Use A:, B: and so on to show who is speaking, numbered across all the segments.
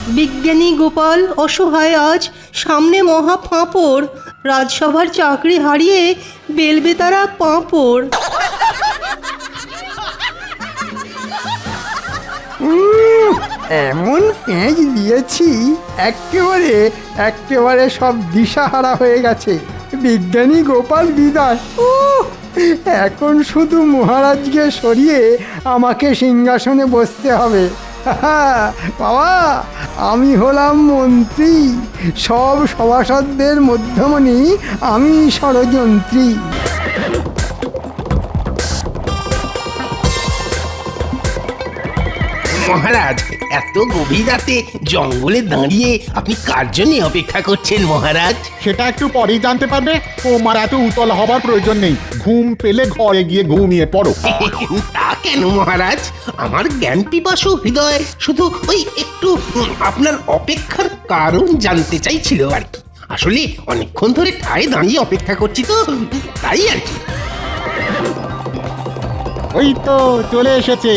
A: বিজ্ঞানী গোপাল অসহায় আজ সামনে মহা ফাঁপড়, রাজসভার চাকরি হারিয়ে বেলবেতারা পাঁপড়।
B: এমন পেঁচ দিয়েছি একেবারে একেবারে সব দিশাহারা হয়ে গেছে। বিজ্ঞানী গোপাল বিদায়। এখন শুধু মহারাজকে সরিয়ে আমাকে সিংহাসনে বসতে হবে। বাবা, আমি হলাম মন্ত্রী, সব সভাসদদের মধ্যমণি আমি ষড়যন্ত্রী।
C: মহারাজ, এত গভীর রাতে জঙ্গলে দাঁড়িয়ে আপনি কার জন্য অপেক্ষা করছেন মহারাজ?
D: সেটা একটু পরেই জানতে পারবে। তোমার এত উতলা হবার প্রয়োজন নেই। ঘুম পেলে ঘরে গিয়ে ঘুমিয়ে পড়ো।
C: তা কেন মহারাজ? আমার জ্ঞান পিপাসু হৃদয় শুধু ওই একটু আপনার অপেক্ষার কারণ জানতে চাইছিল আর কি। আসলে অনেকক্ষণ ধরে ঠায় দাঁড়িয়ে অপেক্ষা করছি তো, তাই আর কি।
D: ওই তো চলে এসেছে।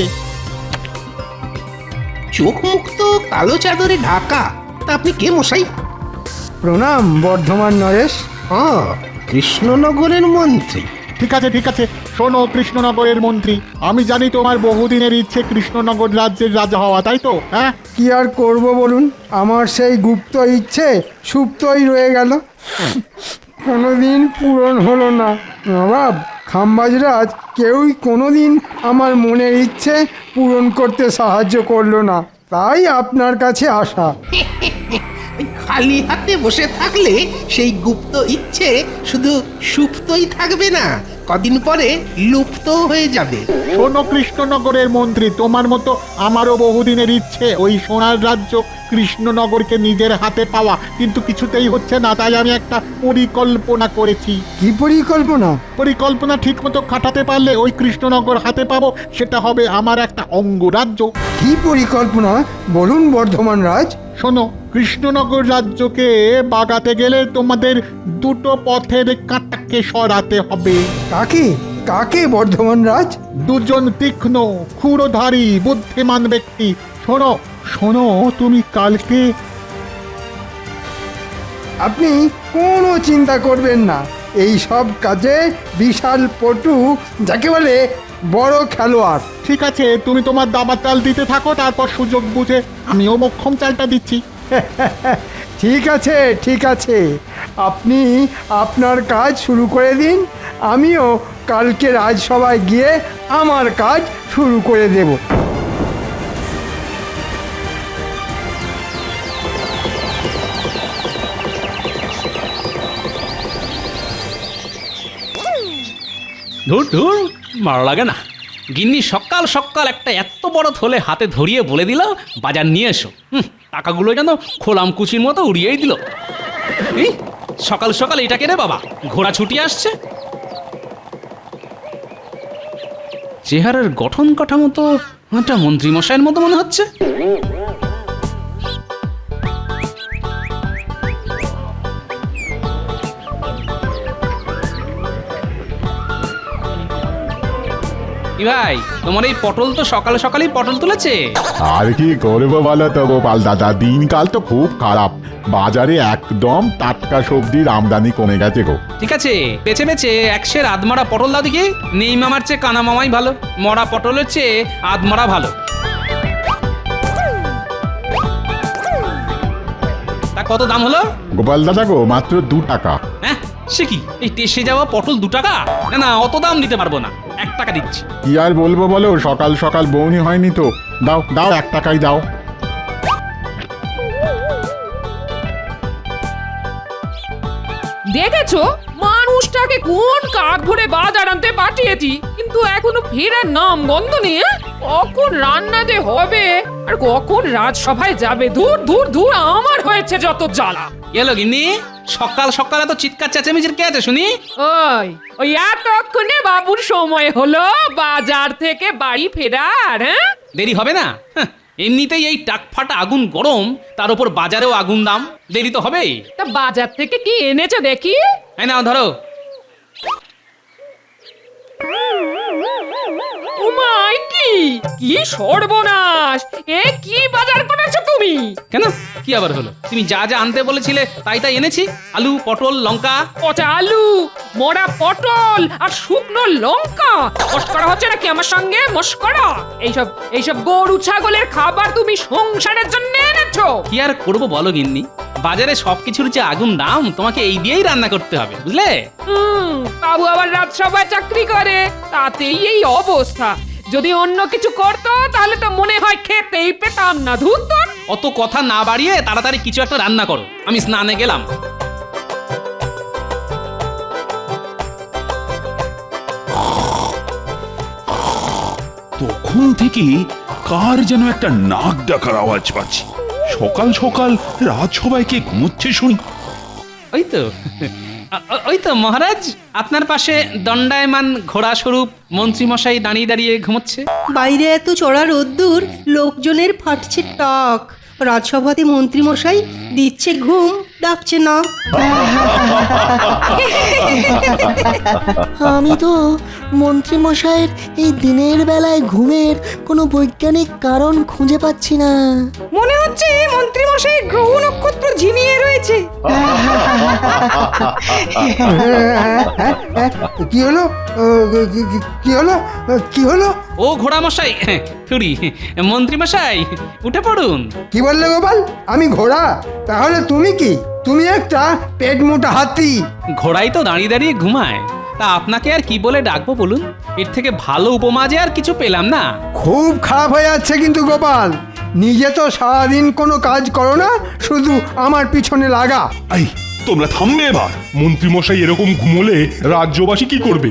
C: চোখ মুখ তো কালো চাদরে ঢাকা। তা আপনি কে মশাই?
B: প্রণাম বর্ধমান নরেশ।
C: হ্যাঁ, কৃষ্ণনগরের মন্ত্রী।
D: ঠিক আছে ঠিক আছে, শোনো কৃষ্ণনগরের মন্ত্রী, আমি জানি তোমার বহুদিনের ইচ্ছে কৃষ্ণনগর রাজ্যের রাজা হওয়া, তাই তো? হ্যাঁ,
B: কি আর করব বলুন, আমার সেই গুপ্ত ইচ্ছে সুপ্তই রয়ে গেল, কোনোদিন পূরণ হলো না। নবাব খাম্বাজরাজ কেউই কোনোদিন আমার মনের ইচ্ছে পূরণ করতে সাহায্য করলো না, তাই আপনার কাছে আসা।
C: খালি হাতে বসে থাকলে সেই গুপ্ত ইচ্ছে শুধু সুপ্তই থাকবে না, কদিন পরে লুপ্ত হয়ে যাবে।
D: শোনো কৃষ্ণনগরের মন্ত্রী, তোমার মতো আমারও বহুদিনের ইচ্ছে ওই সোনার রাজ্য কৃষ্ণনগরকে নিজের হাতে পাওয়া, কিন্তু কিছুতেই হচ্ছে না। তাই আমি একটা পরিকল্পনা করেছি।
B: কি পরিকল্পনা?
D: পরিকল্পনা ঠিক মতো খাটাতে পারলে ওই কৃষ্ণনগর হাতে পাবো, সেটা হবে আমার একটা অঙ্গরাজ্য।
B: কি পরিকল্পনা বলুন বর্ধমান রাজ।
D: শোনো, কৃষ্ণনগর রাজ্যকে বাগাতে গেলে তোমাদের দুটো পথের কাঁটাকে সরাতে হবে।
B: কাকে কাকে বর্ধমান রাজ?
D: দুজন তীক্ষ্ণ ক্ষুরধারী বুদ্ধিমান ব্যক্তি। শোনো শোনো, তুমি কালকে।
B: আপনি কোনো চিন্তা করবেন না, এই সব কাজে বিশাল পটু, যাকে বলে বড় খেলোয়াড়।
D: ঠিক আছে, তুমি তোমার দাবার চাল দিতে থাকো, তারপর সুযোগ বুঝে আমিও মক্ষম চালটা দিচ্ছি।
B: ঠিক আছে ঠিক আছে, আপনি আপনার কাজ শুরু করে দিন, আমিও কালকে রাজসভায় গিয়ে আমার কাজ শুরু করে দেব।
E: ধুর ধুর, ভালো লাগে না। গিন্নি সকাল সকাল একটা এত বড় থলে হাতে ধরিয়ে বলে দিল বাজার নিয়ে এসো। টাকাগুলো যেন খোলাম কুচির মতো উড়িয়েই দিল। এই সকাল সকাল এটা কে রে বাবা, ঘোড়া ছুটি আসছে। চেহারার গঠন কাঠামো তো একটা মন্ত্রীমশাইয়ের মতো মনে হচ্ছে। কি ভাই, তোমার এই পটল তো সকালে সকালেই পটল তুলেছে।
F: আর কি করবো বলো তো গোপাল দাদা, দিনকাল তো খুব খারাপ। বাজারে একদম টাটকা সবজির আমদানি কমে গেছে গো।
E: ঠিক আছে, বেছে বেছে একশের আধমরা পটল দাও দেখি। নেই মামার চেয়ে কানা মামাই ভালো, মরা পটলের চেয়ে আধমরা ভালো। তা কত দাম হলো?
F: গোপাল দাদা গো, মাত্র 2 টাকা।
E: হ্যাঁ, সে কি, এই টেসে যাওয়া পটল 2 টাকা? না না, অত দাম দিতে পারবো না, 1 টাকা দিচ্ছি।
F: কি আর বলবো বলো, সকাল সকাল বউনি হয়নি তো। দাও দাও, 1 টাকাই দাও।
G: দেখেছো মানুষটাকে কোন কাক ভরে বাজার আনতে পাঠিয়েছি, কিন্তু এখনো ফেরার নাম গন্ধ নেই। কখন রান্না যে হবে আর কখন রাজসভায় যাবে, দূর দূর দূর, আমার হয়েছে যত জ্বালা।
E: এলো গিন্নি, সকাল সকাল এত চিৎকার চেঁচামেচির কে আছে শুনি?
G: ওই ওই এতক্ষণে বাবুর সময় হলো বাজার থেকে বাড়ি ফেরার। হ্যাঁ,
E: দেরি হবে না? এমনিতেই এই টাকফাটা আগুন গরম, তার উপর বাজারেও আগুন দাম, দেরি তো হবেই।
G: তা বাজার থেকে কি এনেছো দেখি?
E: এই নাও ধরো।
G: উমাই, কি কি সর্বনাশ! এ কি বাজার করেছো তুমি?
E: কেন কি আবার হলো? তুমি যা যা আনতে বলেছিলে তাই তাই এনেছি। আলু, পটল, লঙ্কা।
G: পচা আলু, মরা পটল আর শুকনো লঙ্কা। মস্করা হচ্ছে নাকি আমার সঙ্গে? মস্করা! এইসব গরু ছাগলের খাবার তুমি সংসারের জন্য এনেছো?
E: কি আর করবো বলো গিন্নি, বাজারে সবকিছুর যে আগুন দাম, তোমাকে এই দিয়েই রান্না করতে হবে, বুঝলে?
G: বাবু আবার রাজসভায় চাকরি করে, তাতেই এই অবস্থা। যদি অন্য কিছু করতো তাহলে তো মনে হয় খেতেই পেতাম না। ধুত!
E: অত কথা না বাড়িয়ে তাড়াতাড়ি কিছু একটা রান্না করো, আমি স্নানে গেলাম।
H: তখন থেকে কার যেন একটা নাক ডাকার আওয়াজ পাচ্ছি। সকাল সকাল রাজসভায় কে ঘুমোচ্ছে শুনি।
E: ওই তো ওই তো মহারাজ, আপনার পাশে দণ্ডায়মান ঘোড়া স্বরূপ মন্ত্রীমশাই দাঁড়িয়ে দাঁড়িয়ে ঘুমোচ্ছে।
A: বাইরে এত চড়া রোদ্দুর, লোকজনের ফাটছে টাক। রাজসভাতে মন্ত্রীমশাই দিচ্ছে ঘুম, ডাকছে না।
I: আমি তো মন্ত্রীমশাইয়ের এই দিনের বেলায় ঘুমের কোনো বৈজ্ঞানিক কারণ খুঁজে পাচ্ছি না।
A: মনে হচ্ছে মন্ত্রীমশাই গ্রহ নক্ষত্র ঝিমিয়ে রয়েছে।
B: কি হলো? কি হলো? কি হলো?
E: ও ঘোড়া মশাই, থুড়ি মন্ত্রীমশাই, উঠে পড়ুন।
B: কি বললে গোপাল? আমি ঘোড়া? তাহলে তুমি কি? তুমি একটা পেট মোটা হাতি।
E: ঘোড়াই তো দাঁড়িয়ে দাঁড়িয়ে ঘুমায়, তা আপনাকে আর কি বলে ডাকবো বলুন? এর থেকে ভালো উপমা যে আর কিছু পেলাম না।
B: খুব খারাপ হয়ে যাচ্ছে কিন্তু গোপাল। নিজে তো সারাদিন কোনো কাজ করো না, শুধু আমার পিছনে লাগা।
H: এই তোমরা থামবে এবার।
J: মন্ত্রীমশাই এরকম ঘুমোলে রাজ্যবাসী কি করবে?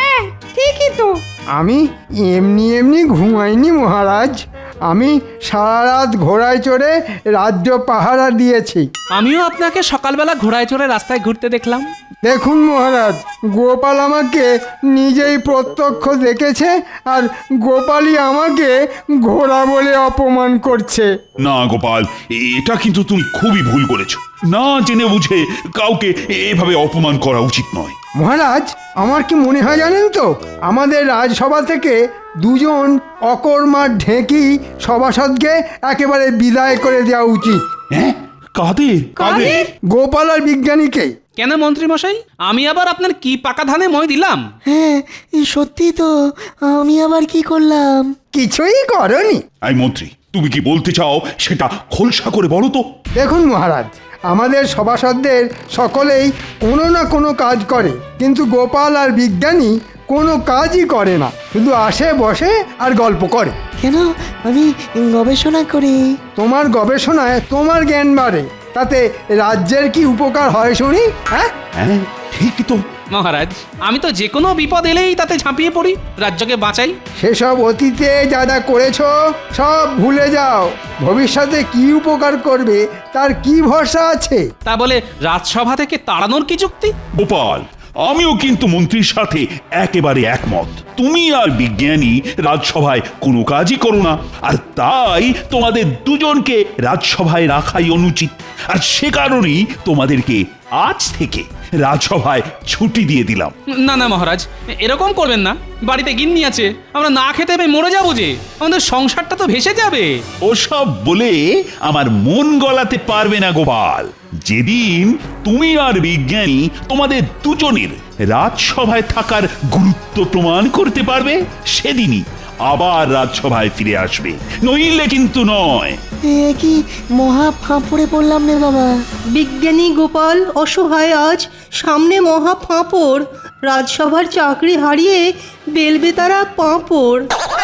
A: ঠিকই তো।
B: আমি এমনি এমনি ঘুমাইনি মহারাজ। আমি সারা রাত ঘোড়ায় চড়ে রাজ্য পাহারা দিয়েছি।
E: আমিও আপনাকে সকালবেলা ঘোড়ায় চড়ে রাস্তায় ঘুরতে দেখলাম।
B: দেখুন মহারাজ, গোপাল আমাকে নিজেই প্রত্যক্ষ দেখেছে, আর গোপালই আমাকে ঘোড়া বলে অপমান করছে।
H: না গোপাল, এটা কিন্তু তুমি খুবই ভুল করেছো। না জেনে বুঝে কাউকে এভাবে অপমান করা উচিত নয়।
B: মহারাজ, আমার কি মনে হয় জানেন তো, আমাদের রাজসভা থেকে দুজন অকর্মার ঢেঁকি সভাসদকে একেবারে বিদায় করে দেওয়া উচিত।
H: হ্যাঁ? কাদের? কাদের?
B: গোপাল আর বিজ্ঞানীকে।
E: কেন মন্ত্রীমশাই, আমি আবার আপনার কি পাকা ধানে মই দিলাম?
I: হ্যাঁ, সত্যি তো। আমি আবার কি করলাম?
B: কিছুই করনি।
H: এই মন্ত্রী, তুমি কি বলতে চাও সেটা খোলসা করে বলো তো।
B: দেখুন মহারাজ, আমাদের সভাসদদের সকলেই কোনো না কোনো কাজ করে, কিন্তু গোপাল আর বিজ্ঞানী কোনো কাজই করে না, শুধু আসে বসে আর গল্প করে।
I: কেন? আমি গবেষণা করি।
B: তোমার গবেষণায় তোমার জ্ঞান বাড়ে, তাতে রাজ্যের কি উপকার হয় শুনি? হ্যাঁ,
H: হ্যাঁ ঠিকই তো।
E: মহারাজ, আমি তো যে কোনো বিপদ এলেই তাতে ঝাঁপিয়ে পড়ি, রাজ্যকে বাঁচাই।
B: সেসব অতীতে যা যা করেছো সব ভুলে যাও। ভবিষ্যতে কি উপকার করবে তার কি ভরসা আছে?
E: তা বলে রাজসভা থেকে তাড়ানোর কি যুক্তি?
H: গোপাল, আমিও কিন্তু মন্ত্রীর সাথে একেবারে একমত। তুমি আর বিজ্ঞানী রাজসভায় কোনো কাজই করো না, আর তাই তোমাদের দুজনকে রাজসভায় রাখাই অনুচিত। আর সে কারণেই তোমাদেরকে আজ থেকে রাজসভায় ছুটি দিয়ে দিলাম।
E: না না মহারাজ, এরকম করবেন না। বাড়িতে গিন্নি আছে, আমরা না খেতে পেয়ে মরে যাবো যে, আমাদের সংসারটা তো ভেসে যাবে।
H: ওসব বলে আমার মন গলাতে পারবে না গোপাল। যেদিন তুমি আর বিজ্ঞানী তোমাদের দুজনের রাজসভায় থাকার গুরুত্ব প্রমাণ করতে পারবে, সেদিনই আবার রাজসভায় ফিরে আসবে, নইলে কিন্তু নয়।
I: এ কি মহা ফাঁপড়ে পড়লাম রে বাবা।
A: বিজ্ঞানী গোপাল অসহায় আজ, সামনে মহা ফাঁপড়। রাজসভার চাকরি হারিয়ে বেলবেতারা পাঁপড়।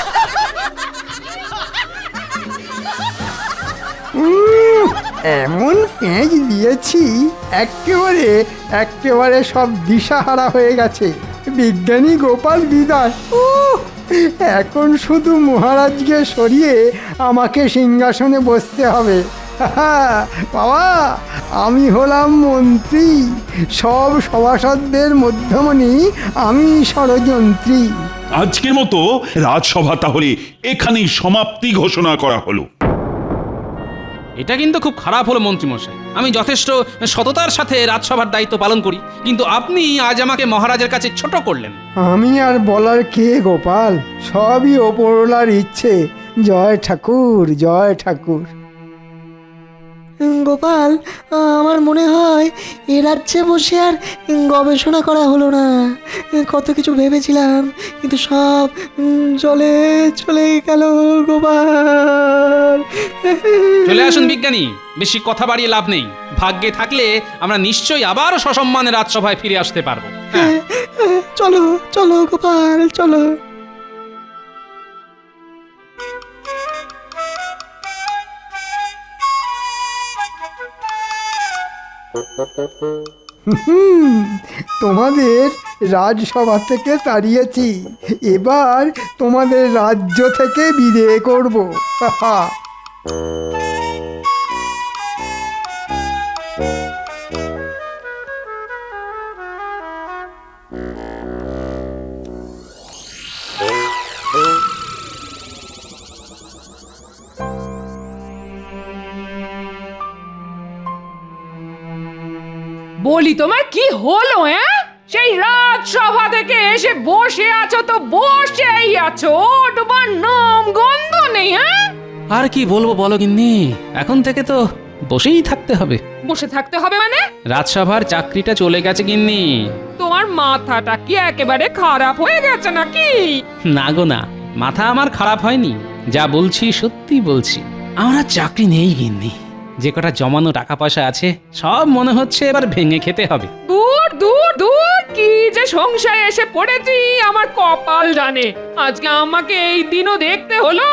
B: এমন পেঁচ দিয়েছি একেবারে সব দিশাহারা হয়ে গেছে। বিজ্ঞানী গোপাল বিদায়। এখন শুধু মহারাজকে সরিয়ে আমাকে সিংহাসনে বসতে হবে। বাবা, আমি হলাম মন্ত্রী, সব সভাসদদের মধ্যমণি আমি ষড়যন্ত্রী।
H: আজকের মতো রাজসভা তাহলে এখানেই সমাপ্তি ঘোষণা করা হলো।
E: এটা কিন্তু খুব খারাপ হলো মন্ত্রীমশাই। আমি যথেষ্ট সততার সাথে রাজসভার দায়িত্ব পালন করি, কিন্তু আপনি আজ আমাকে মহারাজের কাছে ছোট করলেন।
B: আমি আর বলার কে গোপাল, সবই ওপরওয়ালার ইচ্ছে। জয় ঠাকুর, জয় ঠাকুর।
I: গোপাল, আমার মনে হয় এ রাজ্যে বসে আর গবেষণা করা হলো না। কত কিছু ভেবেছিলাম, কিন্তু সব চলে চলে গেল গোপাল।
E: চলে আসুন বিজ্ঞানী, বেশি কথা বাড়িয়ে লাভ নেই। ভাগ্যে থাকলে আমরা নিশ্চয়ই আবার সসম্মানে রাজসভায় ফিরে আসতে পারবো। হ্যাঁ,
I: চলো চলো গোপাল, চলো।
B: তোমাদের রাজসভা থেকে তাড়িয়েছি, এবার তোমাদের রাজ্য থেকে বিদায় করব। হাহা।
G: বলি তোমার কি হলো? সেই রাজসভা থেকে এসে বসে আছো তো বসেই আছো, তোমার নাম গন্ধ নেই।
E: আর কি বলবো বলো গিন্নি, এখন থেকে তো বসেই থাকতে হবে।
G: বসে থাকতে হবে মানে?
E: রাজসভার চাকরিটা চলে গেছে গিন্নি।
G: তোমার মাথাটা কি একেবারে খারাপ হয়ে গেছে নাকি?
E: না গো না, মাথা আমার খারাপ হয়নি, যা বলছি সত্যি বলছি। আমার আর চাকরি নেই গিন্নি, যে কটা জমানো টাকা পয়সা আছে সব মনে হচ্ছে এবার ভেঙে খেতে হবে।
G: দূর দূর দূর, কি যে সংসারে এসে পড়েছি আমার কপাল জানে। আজকে আমাকে এই দিনও দেখতে হলো।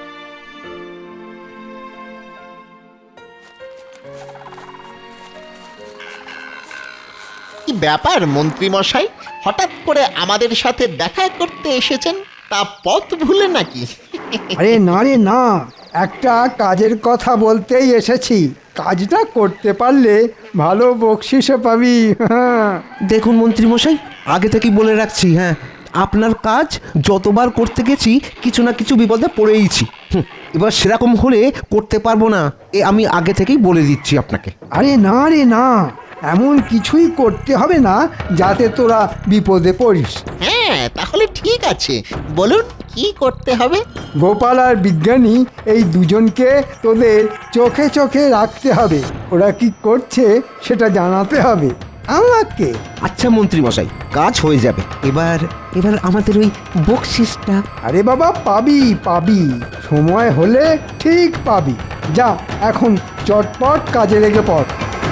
K: কি ব্যাপার মন্ত্রী মশাই, হঠাৎ করে আমাদের সাথে দেখা করতে এসেছেন? তা পথ ভুলে নাকি?
B: আরে না রে না, একটা কাজের কথা বলতেই এসেছি। কাজটা করতে পারলে ভালো বকশিসও পাবি। হ্যাঁ।
L: দেখুন মন্ত্রীমশাই, আগে থেকেই বলে রাখছি, হ্যাঁ, আপনার কাজ যতবার করতে গেছি কিছু না কিছু বিপদে পড়েইছি। এবার সেরকম হলে করতে পারবো না, আমি আগে থেকেই বলে দিচ্ছি আপনাকে।
B: আরে না রে না, এমন কিছুই করতে হবে না যাতে তোরা বিপদে পড়িস।
K: হ্যাঁ, তাহলে ঠিক আছে, বলুন কি করতে হবে?
B: গোপাল আর বিজ্ঞানী এই দুজনকে তোদের চোখে চোখে রাখতে হবে। ওরা কি করছে সেটা জানাতে হবে আমাকে।
L: আচ্ছা মন্ত্রীমশাই, কাজ হয়ে যাবে। এবার এবার আমাদের ওই বকশিসটা।
B: আরে বাবা, পাবি পাবি, সময় হলে ঠিক পাবি। যা এখন চটপট কাজে লেগে পড়।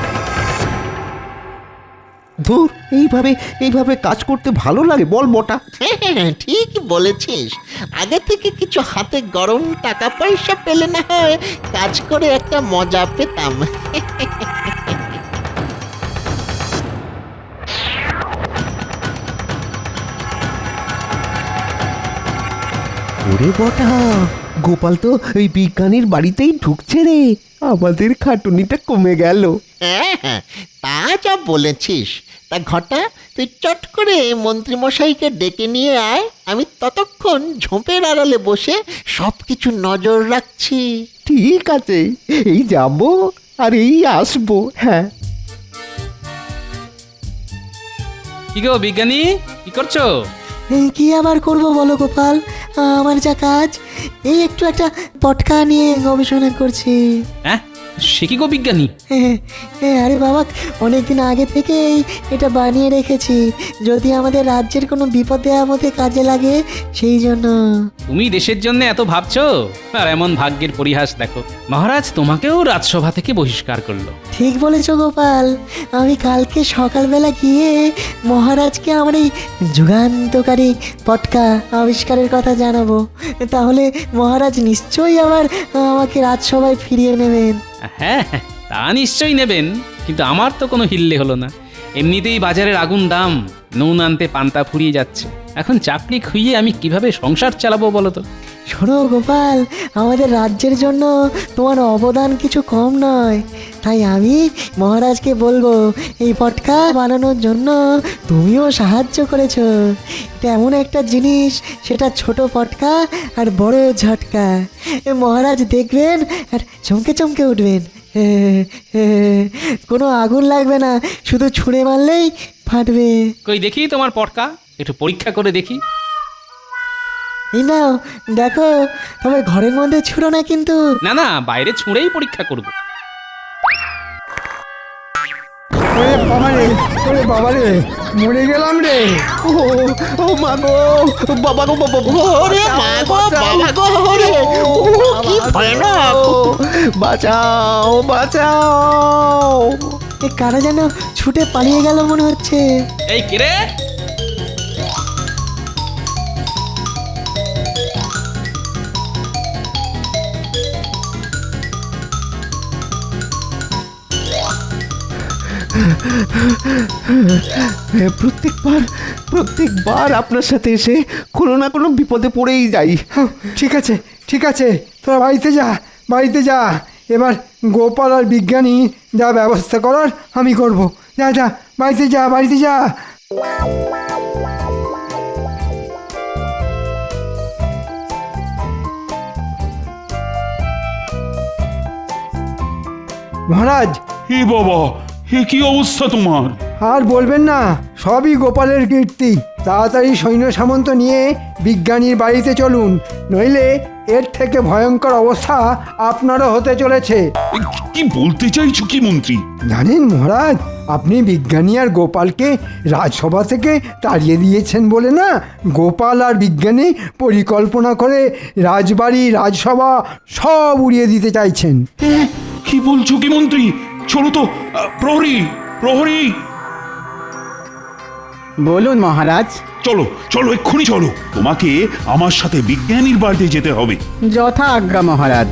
L: ধুর, এইভাবে কাজ করতে ভালো লাগে বল মোটা?
K: হ্যাঁ, ঠিক বলেছিস। আগে থেকে কিছু হাতে গরম টাকা পয়সা পেলে না হয় কাজ করে একটা মজা পেতাম।
L: ওরে বটা, গোপাল তো ওই বিজ্ঞানীর বাড়িতেই ঢুকছে রে, আমাদের খাটুনিটা কমে গেল।
K: হ্যাঁ, তা যা বলেছিস। তা ঘটা, তুই চট করে মন্ত্রীমশাইকে ডেকে নিয়ে আয়, আমি ততক্ষণ ঝোপের আড়ালে বসে সব কিছু নজর রাখছি।
L: ঠিক আছে, এই যাবো আর এই আসবো। হ্যাঁ।
E: কি গো বিজ্ঞানী, কি করছো?
I: কি আবার করব বলো গোপাল, আমার যা কাজ, এই একটু একটা পটকা নিয়ে গবেষণা করছি।
E: হ্যাঁ, সে কি গো বিজ্ঞানী?
I: আরে বাবা, অনেকদিন আগে থেকেই এটা বানিয়ে রেখেছি, যদি আমাদের রাজ্যের কোনো বিপদে আপদে কাজে লাগে সেই জন্য।
E: তুমি দেশের জন্য এত ভাবছো, আর এমন ভাগ্যের পরিহাস দেখো, মহারাজ তোমাকেও রাজসভা থেকে বহিষ্কার করলো।
I: ঠিক বলেছো গোপাল, আমি কালকে সকালবেলা গিয়ে মহারাজকে আমার এই যুগান্তকারী পটকা আবিষ্কারের কথা জানাবো, তাহলে মহারাজ নিশ্চয়ই আবার আমাকে রাজসভায় ফিরিয়ে নেবেন।
E: হ্যাঁ, তা নিশ্চয়ই নেবেন, কিন্তু আমার তো কোনো হিল্লে হলো না। এমনিতেই বাজারের আগুন দাম, নুন আনতে পান্তা ফুরিয়ে যাচ্ছে। এখন চাকরি খুইয়ে আমি কিভাবে সংসার চালাবো বলো তো?
I: শোনো গোপাল, আমাদের রাজ্যের জন্য তোমার অবদান কিছু কম নয়। তাই আমি মহারাজকে বলবো, এই পটকা বানানোর জন্য তুমিও সাহায্য করেছো। এটা এমন একটা জিনিস, সেটা ছোট পটকা আর বড় ঝটকা। মহারাজ দেখবেন আর চমকে চমকে উঠবেন। কোনো আগুন লাগবে না, শুধু ছুঁড়ে মারলেই ফাটবে।
E: কই দেখি তোমার পটকা, একটু পরীক্ষা করে দেখি।
I: এই নাও দেখো, তবে ঘরের মধ্যে ছুঁড়ো না কিন্তু।
E: না না, বাইরে ছুঁড়েই পরীক্ষা করব।
B: ওরে বাবা রে, ওরে বাবা রে, মরে গেলাম রে।
L: ও মা গো, বাবা গো, বাবা গো,
K: ওরে মা গো, বাবা গো, ওরে, ও কি ভয়ানক!
L: বাঁচাও বাঁচাও।
I: এ কারা যেন ছুটে পালিয়ে গেল মনে হচ্ছে।
E: এই কিরে,
L: প্রত্যেকবার আপনার সাথে এসে কোনো না কোনো বিপদে পড়েই যাই।
B: ঠিক আছে, ঠিক আছে, তোরা বাড়িতে যা, বাড়িতে যা। এবার গোপাল আর বিজ্ঞানী যা ব্যবস্থা করার আমি করব। যা যা, বাড়িতে যা, বাড়িতে যা। মহারাজ,
H: হে বাবা, হে কি অবস্থা তোমার?
B: আর বলবেন না, সবই গোপালের কীর্তি। তাড়াতাড়ি সৈন্য সামন্ত নিয়ে বিজ্ঞানীর বাড়িতে চলুন, নইলে এর থেকে ভয়ঙ্কর অবস্থা আপনারও হতে চলেছে।
H: এ, কি বলতে চাইছো কি মন্ত্রী?
B: জানেন মহারাজ, আপনি বিজ্ঞানী আর গোপালকে রাজসভা থেকে তাড়িয়ে দিয়েছেন বলে না, গোপাল আর বিজ্ঞানী পরিকল্পনা করে রাজবাড়ি, রাজসভা সব উড়িয়ে দিতে চাইছেন।
H: কি বলছো কি মন্ত্রী? চলো তো, প্রহরী, প্রহরী,
M: বলুন মহারাজ।
H: চলো চলো, এক্ষুনি চলো। তোমাকে আমার সাথে বিজ্ঞানীর বাড়িতে যেতে হবে।
M: যথা আজ্ঞা মহারাজ।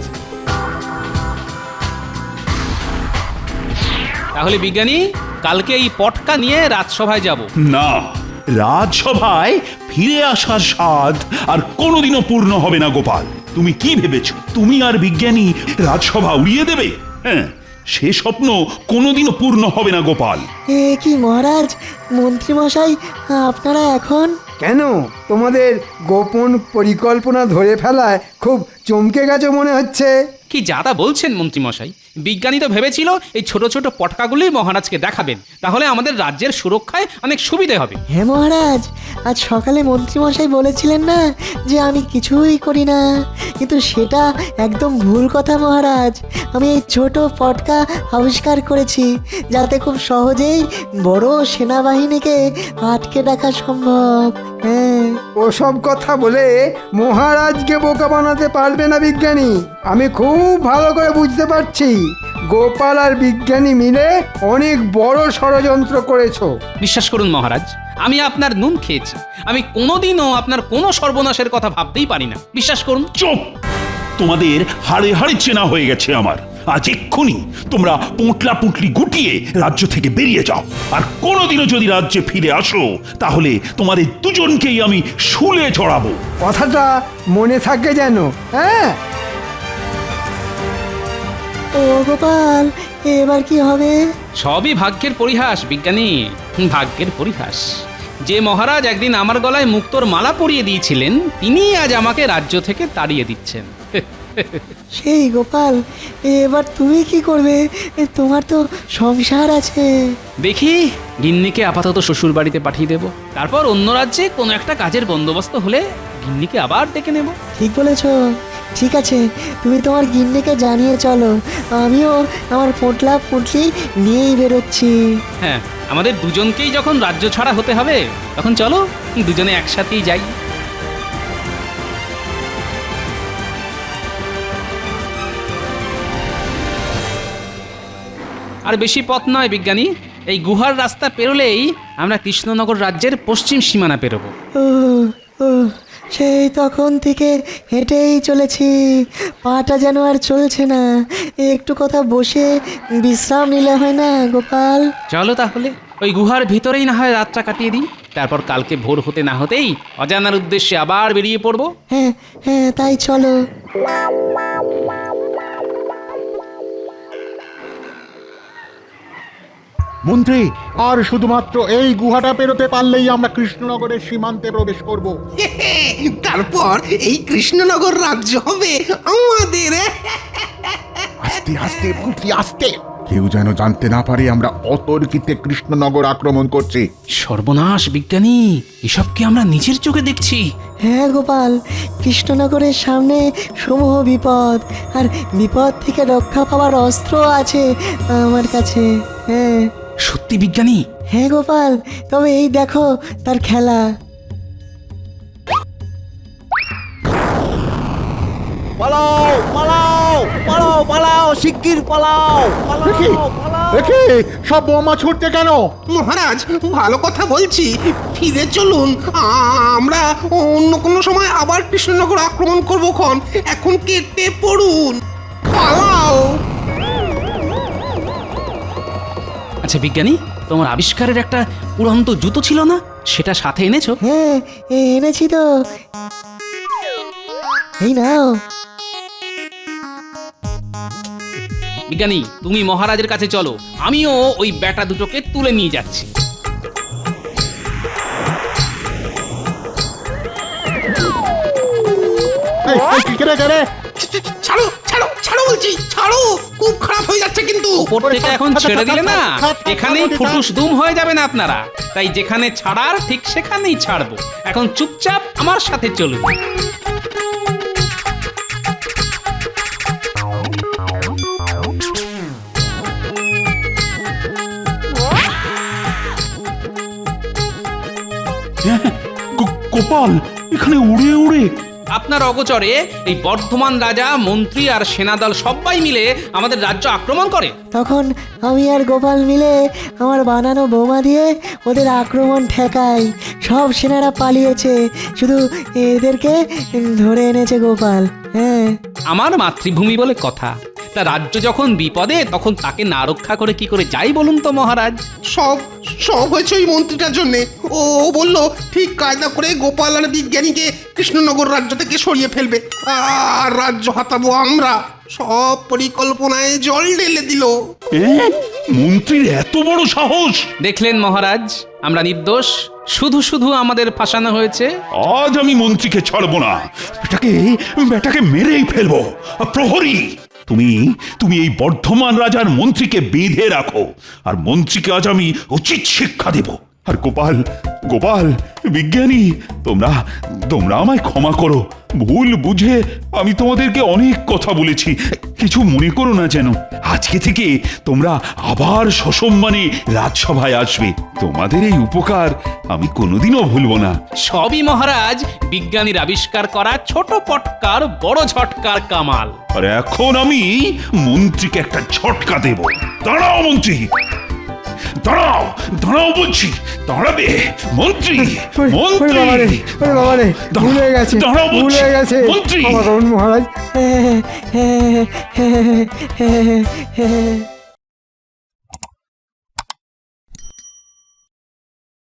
E: তাহলে বিজ্ঞানী, কালকে এই পটকা নিয়ে রাজসভায় যাব।
H: না, রাজসভায় ফিরে আসার স্বাদ আর কোনোদিনও পূর্ণ হবে না গোপাল। তুমি কি ভেবেছ তুমি আর বিজ্ঞানী রাজসভা উড়িয়ে দেবে? হ্যাঁ, সে স্বপ্ন কোনোদিনও পূর্ণ হবে না গোপাল।
I: এ কি মহারাজ, মন্ত্রীমশাই আপনারা এখন?
B: কেন, তোমাদের গোপন পরিকল্পনা ধরে ফেলায় খুব চমকে গেছে মনে হচ্ছে।
E: কি যাতা বলছেন মন্ত্রীমশাই? বিজ্ঞানী তো ভেবেছিল এই ছোট ছোট পটকাগুলোই মহারাজকে দেখাবেন, তাহলে আমাদের রাজ্যের সুরক্ষায় অনেক সুবিধে হবে।
I: হ্যাঁ মহারাজ, আজ সকালে মন্ত্রীমশাই বলেছিলেন না যে আমি কিছুই করি না, কিন্তু সেটা একদম ভুল কথা মহারাজ। আমি এই ছোট পটকা আবিষ্কার করেছি যাতে খুব সহজেই বড় সেনাবাহিনীকে আটকে রাখা সম্ভব। হ্যাঁ,
B: ওসব কথা বলে মহারাজকে বোকা বানাতে পারবে না বিজ্ঞানী। আমি খুব ভালো করে বুঝতে পারছি, গোপাল আর বিজ্ঞানী মিলে অনেক বড় ষড়যন্ত্র করেছো।
E: বিশ্বাস করুন মহারাজ, আমি আপনার নুন খেয়েছি। আমি কোনোদিনও আপনার কোনো সর্বনাশের কথা ভাবতেই পারি না, বিশ্বাস করুন।
H: চুপ! তোমাদের হাড়ে হাড়ে চেনা হয়ে গেছে আমার। আজ এক্ষুনি তোমরা পোঁটলা পুঁটলি গুটিয়ে রাজ্য থেকে বেরিয়ে যাও। আর কোনোদিনও যদি রাজ্যে ফিরে আসো, তাহলে তোমাদের দুজনকেই আমি শুলে চড়াবো।
B: কথাটা মনে থাকে যেন। হ্যাঁ,
I: ও গোপাল, এবার কি হবে?
E: সবই ভাগ্যের পরিহাস বিজ্ঞানী, ভাগ্যের পরিহাস। যে মহারাজ একদিন আমার গলায় মুক্তোর মালা পরিয়ে দিয়েছিলেন, তিনি আজ আমাকে রাজ্য থেকে তাড়িয়ে দিচ্ছেন।
I: সেই গোপাল, এবার তুমি কি করবে? তোমার তো সংসার আছে।
E: দেখি, গিন্নিকে আপাতত শ্বশুর বাড়িতে পাঠিয়ে দেব, তারপর অন্য রাজ্যে কোনো একটা কাজের বন্দোবস্ত হলে গিন্নিকে আবার ডেকে নেব।
I: ঠিক বলেছ। ঠিক আছে, তুমি তোমার গিন্নিকে জানিয়ে চলো, আমিও আমার পোটলা পুটলি নিয়েই বেরোচ্ছি।
E: হ্যাঁ, আমাদের দুজনকেই যখন রাজ্য ছাড়া হতে হবে, তখন চলো দুজনে একসাথেই যাই। আর বেশি পথ নয় বিজ্ঞানী, এই গুহার রাস্তা পেরোলেই আমরা কৃষ্ণনগর রাজ্যের পশ্চিম সীমানা পেরোবো।
I: ও ও, সেই তখন থেকে হেঁটেই চলেছি, পাটা যেন আর চলছে না। একটু কথা বসে বিশ্রাম নিলে হয় না গোপাল?
E: চলো তাহলে ওই গুহার ভিতরেই না হয় রাতটা কাটিয়ে দিই। তারপর কালকে ভোর হতে না হতেই অজানার উদ্দেশ্যে আবার বেরিয়ে পড়বো।
I: হ্যাঁ হ্যাঁ তাই চলো।
D: মন্ত্রী, আর শুধুমাত্র এই গুহাটা পেরোতে পারলেই আমরা কৃষ্ণনগরের সীমান্তে প্রবেশ করব।
C: তারপর এই কৃষ্ণনগর রাজ্য হবে আমাদের।
F: আস্তে আস্তে মন্ত্রী আস্তে, কেউ যেন জানতে না পারে আমরা অতর্কিতে কৃষ্ণনগর আক্রমণ করছি।
E: সর্বনাশ বিজ্ঞানী, এসব কি আমরা নিজের চোখে দেখছি?
I: হ্যাঁ গোপাল, কৃষ্ণনগরের সামনে সমূহ বিপদ, আর বিপদ থেকে রক্ষা পাওয়ার অস্ত্র আছে আমার কাছে। হ্যাঁ
E: সত্যি বিজ্ঞানী?
I: হ্যাঁ গোপাল, তবে এই দেখো তার খেলা।
L: পালাও পালাও পালাও পালাও, শিগগির পালাও
D: দেখি দেখি, সব বোমা ছুটছে কেন?
C: মহারাজ, ভালো কথা বলছি, ফিরে চলুন। আমরা অন্য কোনো সময় আবার কৃষ্ণনগর আক্রমণ করবো খন। এখন কেটে পড়ুন, পালাও।
E: আচ্ছা বিজ্ঞানী, তোমার আবিষ্কারের একটা উড়ন্ত জুতো ছিল না, সেটা সাথে এনেছো?
I: হ্যাঁ এনেছি তো, এই নাও।
E: বিজ্ঞানী, তুমি মহারাজের কাছে চলো, আমিও ওই ব্যাটা দুটোকে তুলে নিয়ে যাচ্ছি।
C: ছাড়ো ছাড়ো ছাড়ো বলছি, ছাড়ো, খুব খারাপ হয়ে যাচ্ছে কিন্তু।
E: ওপর থেকে এখন ছেড়ে দিলে না, এখানেই ফুটুস দুম হয়ে যাবেন আপনারা। তাই যেখানে ছাড়ার ঠিক সেখানেই ছাড়বো। এখন চুপচাপ আমার সাথে চলুন।
H: গোপাল, এখানে উড়ে উড়ে
E: আপনার অগোচরে এই বর্ধমান রাজা, মন্ত্রী আর সেনাদল সবাই মিলে আমাদের রাজ্য আক্রমণ করে।
I: তখন আমি আর গোপাল মিলে আমার বানানো বোমা দিয়ে ওদের আক্রমণ ঠেকাই। সব সেনারা পালিয়েছে, শুধু এদেরকে ধরে এনেছে গোপাল। হ্যাঁ,
E: আমার মাতৃভূমি বলে কথা। তা রাজ্য যখন বিপদে, তখন তাকে না রক্ষা করে কি করে যাই বলুন তো মহারাজ?
C: সব সব হয়েছে ওই মন্ত্রীটার জন্যে। ও বলল ঠিক কায়দা করে গোপাল আর বিজ্ঞানীকে কৃষ্ণনগর রাজ্য থেকে সরিয়ে ফেলবে, আর রাজ্য হাতাবো আমরা। সব পরিকল্পনায় জল ঢেলে দিল।
H: মন্ত্রীর এত বড় সাহস!
E: দেখলেন মহারাজ, আমরা নির্দোষ, শুধু শুধু আমাদের ফাঁসানো হয়েছে।
H: আজ আমি মন্ত্রীকে ছাড়বো না, বেটাকে মেরেই ফেলবো। প্রহরী, তুমি এই বর্ধমান রাজার মন্ত্রীকে বেঁধে রাখো, আর মন্ত্রীকে আজ আমি উচিত শিক্ষা দেব। আর গোপাল, বিজ্ঞানী, তোমরা আমায় ক্ষমা করো। ভুল বুঝে আমি তোমাদেরকে অনেক কথা বলেছি, কিছু মনে করো না যেন। আজকে থেকে তোমরা আবার সসম্মানে রাজসভায় আসবে। তোমাদের এই উপকার আমি কোনোদিনও ভুলবো না।
E: সবই মহারাজ বিজ্ঞানীর আবিষ্কার করা ছোট পটকার বড় ঝটকার কামাল।
H: আর এখন আমি মন্ত্রীকে একটা ঝটকা দেব। দাঁড়াও মন্ত্রী, দাঁড়াও বলছি, দাঁড়াবে মন্ত্রী।
B: ভুলে গেছে মন্ত্রী।
I: মহারাজ।